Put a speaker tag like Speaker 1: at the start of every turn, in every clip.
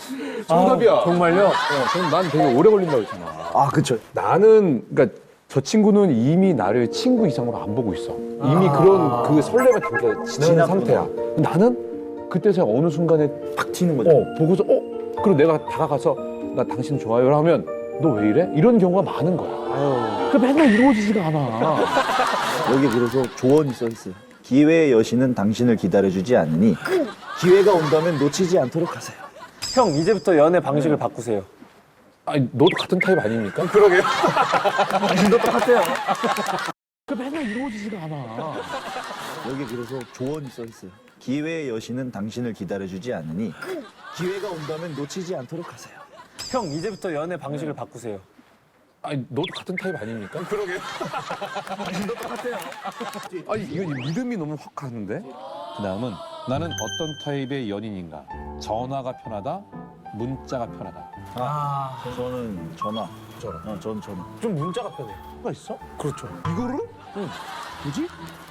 Speaker 1: 정답이야.
Speaker 2: 정말요?
Speaker 1: 그럼 난 되게 오래 걸린다고 했잖아.
Speaker 3: 아, 그쵸.
Speaker 1: 나는 그러니까 저 친구는 이미 나를 친구 이상으로 안 보고 있어. 이미 그런 그 설렘을 다 지난
Speaker 3: 지났구나.
Speaker 1: 상태야. 나는 그때 제가 어느 순간에
Speaker 3: 팍 튀는 거죠.
Speaker 1: 보고서 그리고 내가 다가가서 나 당신 좋아요 하면 너 왜 이래? 이런 경우가 많은 거야. 그 맨날 이루어지지가 않아.
Speaker 3: 여기 그래서 조언이 써 있어요. 기회의 여신은 당신을 기다려주지 않으니 기회가 온다면 놓치지 않도록 하세요.
Speaker 2: 형, 이제부터 연애 방식을 바꾸세요.
Speaker 1: 아니 너도 같은 타입 아닙니까?
Speaker 2: 그러게요.
Speaker 3: 당신도 똑같아요.
Speaker 1: 그 맨날 이루어지지가 않아.
Speaker 3: 여기 그래서 조언이 써 있어요. 기회의 여신은 당신을 기다려주지 않으니 기회가 온다면 놓치지 않도록 하세요.
Speaker 2: 형, 이제부터 연애 방식을 바꾸세요.
Speaker 1: 아니 너도 같은 타입 아닙니까?
Speaker 2: 그러게요.
Speaker 1: 당신도 똑같아요. 아니 이건 믿음이 너무 확 가는데? 그 다음은 나는 어떤 타입의 연인인가? 전화가 편하다? 문자가 편하다?
Speaker 3: 저는 전화. 전 전화.
Speaker 2: 좀 문자가 편해.
Speaker 1: 뭐가 있어?
Speaker 2: 그렇죠.
Speaker 1: 이거를? 뭐지?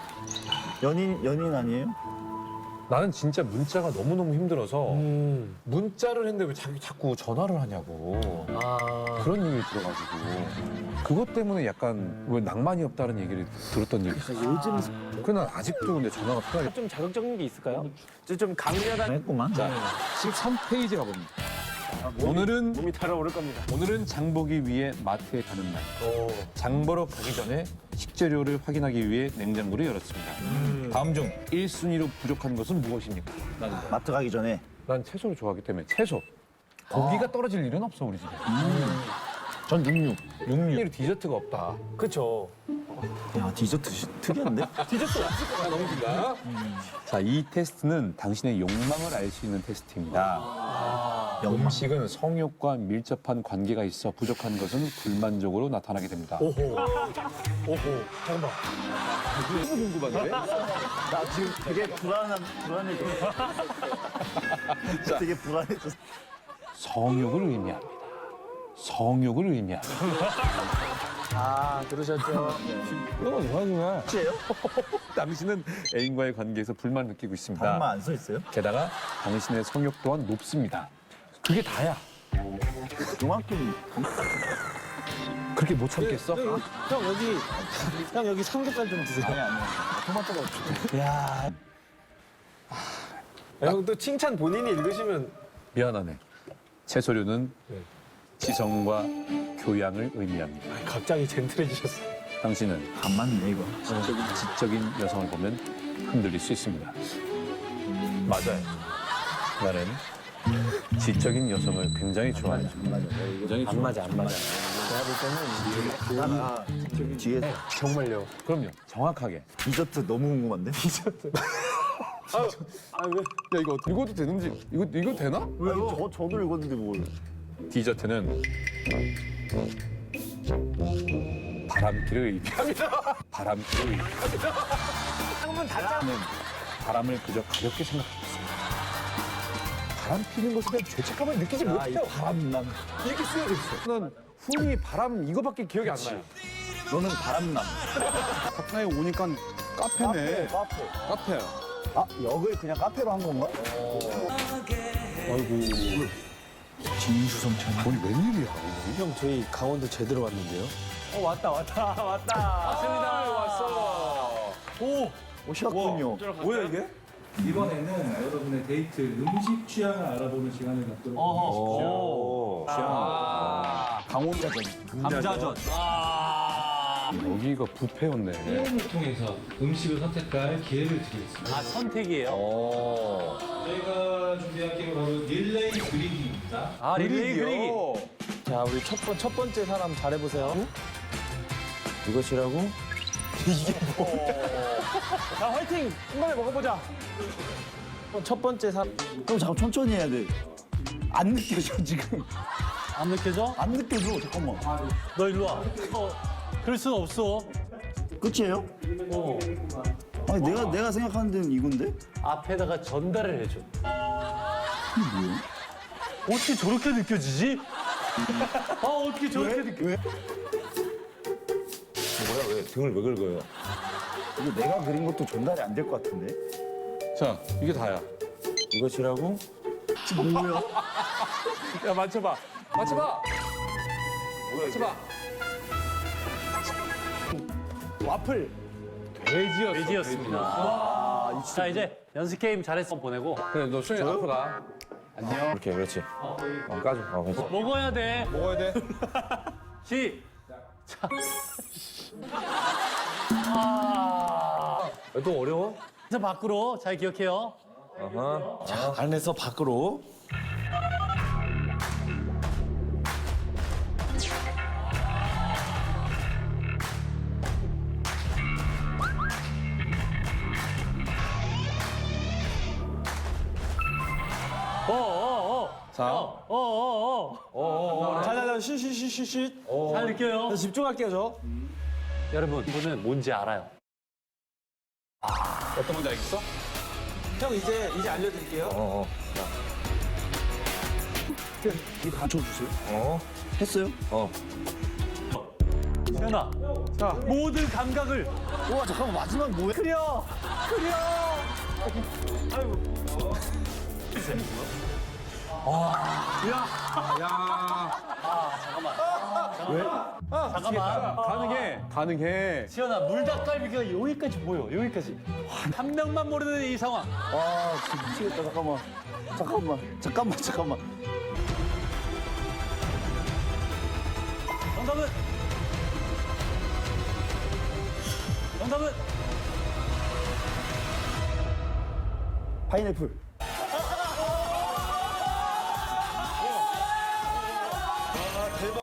Speaker 3: 연인 아니에요?
Speaker 1: 나는 진짜 문자가 너무너무 힘들어서 문자를 했는데 왜 자꾸 전화를 하냐고 그런 얘기를 들어가지고 그것 때문에 약간 왜 낭만이 없다는 얘기를 들었던 얘기 있어.
Speaker 3: 요즘
Speaker 1: 그난 아직도 근데 전화가 편하게.
Speaker 2: 좀 자극적인 게 있을까요? 좀 강렬한
Speaker 3: 했구만.
Speaker 1: 자, 13페이지 가봅니다. 오늘은
Speaker 2: 몸이 달아오를 겁니다.
Speaker 1: 오늘은 장 보기 위해 마트에 가는 날. 장 보러 가기 전에 식재료를 확인하기 위해 냉장고를 열었습니다. 다음 중 1순위로 부족한 것은 무엇입니까?
Speaker 3: 마트 가기 전에
Speaker 1: 난 채소를 좋아하기 때문에 채소. 고기가 떨어질 일은 없어 우리 집에.
Speaker 3: 전 육류.
Speaker 1: 육류. 디저트가 없다.
Speaker 2: 그렇죠.
Speaker 3: 야, 디저트 특이한데?
Speaker 1: 자, 이 테스트는 당신의 욕망을 알 수 있는 테스트입니다.
Speaker 3: 영망.
Speaker 1: 음식은 성욕과 밀접한 관계가 있어 부족한 것은 불만족으로 나타나게 됩니다.
Speaker 2: 오호. 잠깐만.
Speaker 1: 너무 궁금한데?
Speaker 3: 나 지금 되게 불안해져. 되게 불안해져.
Speaker 1: 성욕을 의미합니다. 성욕을 의미합니다.
Speaker 2: 아, 들으셨죠?
Speaker 1: 이건 좋아하구나.
Speaker 3: 혹시예요?
Speaker 1: 당신은 애인과의 관계에서 불만을 느끼고 있습니다.
Speaker 3: 다른말 안 써 있어요?
Speaker 1: 게다가 당신의 성욕 또한 높습니다. 그게 다야.
Speaker 3: 그만큼
Speaker 1: 그렇게 못 참겠어?
Speaker 2: 형 여기 삼겹살 좀 드세요.
Speaker 3: 아니. 토마토가 없어.
Speaker 2: 야. 형 또 칭찬 본인이 읽으시면
Speaker 1: 미안하네. 채소류는 지성과 교양을 의미합니다.
Speaker 2: 갑자기 젠틀해지셨어요.
Speaker 1: 당신은
Speaker 3: 안 맞네 이거.
Speaker 1: 지적인 여성을 보면 흔들릴 수 있습니다. 맞아요. 나는 지적인 여성을 굉장히 좋아해요. 굉장히
Speaker 2: 안 맞아. 제가 볼 때는
Speaker 3: 뒤에
Speaker 2: 정말요.
Speaker 1: 그럼요. 정확하게.
Speaker 3: 디저트 너무 궁금한데?
Speaker 2: 아 왜?
Speaker 1: 야 이거 읽어도 되는지 이거 되나?
Speaker 3: 왜? 저도 읽었는데 뭘?
Speaker 1: 디저트는 바람기를 의미합니다. 바람기를 의미합니다.
Speaker 2: 한번 닫자.
Speaker 1: 저는 바람을 그저 가볍게 생각하고 있습니다. 바람 피는 것에 대한 죄책감을 느끼지 못해요.
Speaker 3: 바람남.
Speaker 1: 이렇게 쓰여져 있어. 난 훈이 바람 이거밖에 기억이 안 나요.
Speaker 3: 너는 바람남.
Speaker 1: 카페에 오니까 카페네.
Speaker 3: 카페.
Speaker 1: 카페야.
Speaker 3: 아, 역을 그냥 카페로 한 건가?
Speaker 1: 아이고.
Speaker 3: 진수성찬.
Speaker 1: 뭔 웬일이야.
Speaker 2: 형 저희 강원도 제대로 왔는데요. 왔다. 왔습니다. 왔어.
Speaker 3: 오셨군요.
Speaker 2: 뭐야 이게?
Speaker 4: 이번에는 여러분의 데이트 음식 취향을 알아보는 시간을 갖도록 하겠습니다.
Speaker 3: 강원자전.
Speaker 2: 감자전.
Speaker 1: 여기가 뷔페였네.
Speaker 4: 게임을 통해서 음식을 선택할 기회를 드리겠습니다.
Speaker 2: 아 선택이에요?
Speaker 4: 저희가 준비한 게임은 바로 릴레이 그리기입니다.
Speaker 2: 아 릴레이 그리기. 자 우리 첫 번째 사람 잘해보세요. 이것이라고? 이게 뭐야? 자 화이팅! 한 번에 먹어보자. 첫 번째 사람.
Speaker 3: 그럼 잠깐 천천히 해야 돼. 안 느껴져 지금.
Speaker 2: 안 느껴져?
Speaker 3: 안 느껴져. 잠깐만.
Speaker 2: 너 일로 와. 그럴 순 없어.
Speaker 3: 끝이에요? 아니 내가 생각하는 데는 이건데?
Speaker 2: 앞에다가 전달을 해줘.
Speaker 3: 뭐야?
Speaker 2: 어떻게 저렇게 느껴지지? 어떻게 저렇게 느껴?
Speaker 3: 왜?
Speaker 1: 뭐야 왜 등을 왜 긁어요?
Speaker 3: 이거 내가 그린 것도 전달이 안 될 것 같은데?
Speaker 1: 자 이게 다야.
Speaker 2: 이것이라고?
Speaker 3: 뭐야?
Speaker 1: 야 맞춰봐. 맞춰봐. 맞춰봐.
Speaker 2: 와플.
Speaker 1: 돼지였어.
Speaker 5: 돼지였습니다. 자, 이제 연습 게임 잘했어 보내고.
Speaker 1: 그래 너 수영이 앞으로 가. 안녕. 이렇게 그렇지. 까줘. 그렇지.
Speaker 5: 먹어야 돼.
Speaker 1: 먹어야 돼.
Speaker 5: 시작.
Speaker 1: 또 어려워?
Speaker 5: 그래서 밖으로 잘 기억해요.
Speaker 2: 안에서 밖으로.
Speaker 5: 자.
Speaker 2: 자자자 쉬쉬쉬쉬쉬.
Speaker 5: 잘 느껴요.
Speaker 2: 자, 집중할게요 저.
Speaker 5: 여러분, 이분은 뭔지 알아요.
Speaker 1: 어떤 건지 알겠어?
Speaker 2: 형 이제 알려드릴게요.
Speaker 3: 이거 맞춰주세요. 했어요?
Speaker 5: 시연아. 자, 모든 감각을
Speaker 3: 우와 잠깐만 마지막 뭐야?
Speaker 5: 그려. 잠깐만.
Speaker 1: 가능해.
Speaker 5: 시연아, 물닭갈비가 여기까지 보여. 여기까지. 한 명만 모르는 이 상황.
Speaker 3: 아 진짜 미치겠다. 잠깐만.
Speaker 5: 정답은
Speaker 3: 파인애플.